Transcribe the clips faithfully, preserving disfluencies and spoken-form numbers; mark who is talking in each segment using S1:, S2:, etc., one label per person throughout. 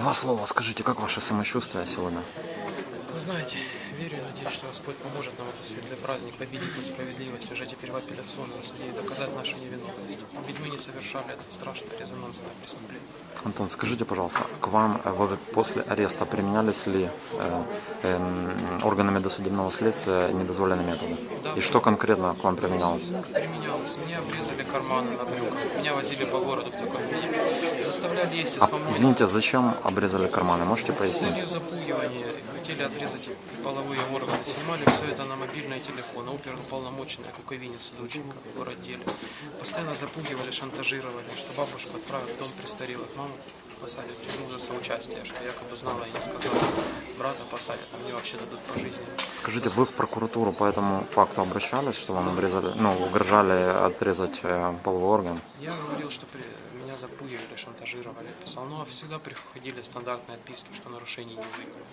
S1: Два слова скажите, как ваше самочувствие сегодня?
S2: Вы знаете, верю и надеюсь, что Господь поможет нам в этот светлый праздник победить несправедливость уже теперь в апелляционном суде и доказать нашу невиновность. Ведь мы не совершали это страшное резонансное преступление.
S1: Антон, скажите, пожалуйста, к вам э, вы после ареста применялись ли э, э, органами досудебного следствия недозволенные методы?
S2: Да.
S1: И что конкретно к вам применялось?
S2: Применялось. Мне обрезали карманы на брюках. Меня возили по городу в таком виде. Заставляли есть из
S1: А,
S2: помойных.
S1: извините, зачем обрезали карманы? Можете
S2: С
S1: пояснить?
S2: целью запугивания хотели отрезать половые органы. Снимали все это на мобильные телефоны. Оперуполномоченный Куковинец Дученко в городделе. Постоянно запугивали, шантажировали, что бабушку отправят в дом престарелых. Маму посадят в тюрьму за соучастие, что якобы знала и не сказала. Брата посадят, а мне вообще дадут пожизненно.
S1: Скажите, вы в прокуратуру по этому факту обращались, что вам обрезали, ну, угрожали отрезать э, половой орган?
S2: Я говорил, что при... меня запугивали, шантажировали, писал. Но всегда приходили стандартные отписки, что нарушений не выявлено.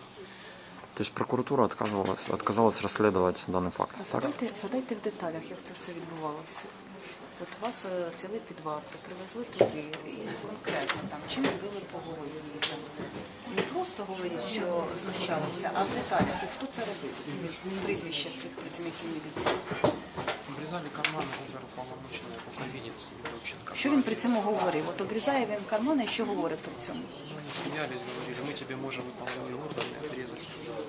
S1: То есть прокуратура отказывалась, отказалась расследовать данный факт.
S3: А
S1: Так?
S3: задайте, задайте в деталях, як це все відбувалося. От вас е, взяли під варту, привезли туди, і конкретно там, чим збили по голові їх. Не просто говорять, що знущалися, а в деталях. І хто це робив? Прізвище цих працівників міліції.
S2: Обрезали карманы оперуполномоченный Куковинец Дученко.
S3: Що він при цьому говорив? От обрізає він кармани, і що говорить при цьому?
S2: Ну, они смеялись, говорили, мы тебе можем и половые органы отрезать.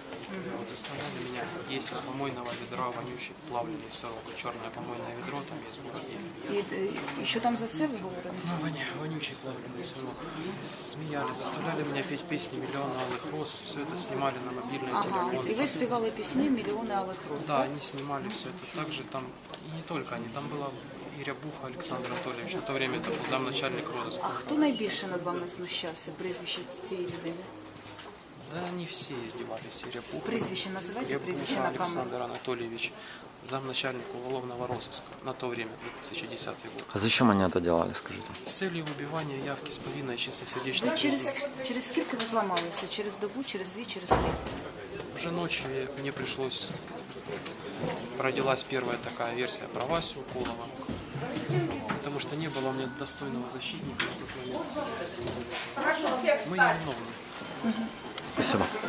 S2: Вот заставляли меня есть из помойного ведра вонючий плавленый сырок. Черное помойное ведро там есть в бухгалтерии.
S3: І, е, і що там за це ви говорили?
S2: Ну, воня, вонючий плавленый сырок. Смеялись, заставляли меня петь песни «Миллион алых роз». Все это снимали на мобильные
S3: Ага,
S2: телефоны.
S3: і ви співали пісні «Мільйони алих роз».
S2: Да, они снимали все это. Также там, и не только они, там была и Рябуха Александр Анатольевич. На то время это был замначальник розыска.
S3: А хто найбільше над вами знущався? Прізвище цієї людини?
S2: Да, они все издевались. И Рябуха,
S3: Прізвище називайте, прізвище
S2: Рябуха
S3: на камеру.
S2: Александр Анатольевич, замначальник уголовного розыска. На то время, две тысячи десятый год.
S1: А зачем они это делали, скажите?
S2: С целью выбивания явки с повинной чистосердечной
S3: Ви через, через скільки ви зламалися? Через добу, через дві, через три?
S2: Уже ночью я- мне пришлось, родилась первая такая версия про Васю Уколова, потому что не было у меня достойного защитника в тот момент. Мы невиновны.
S1: Спасибо.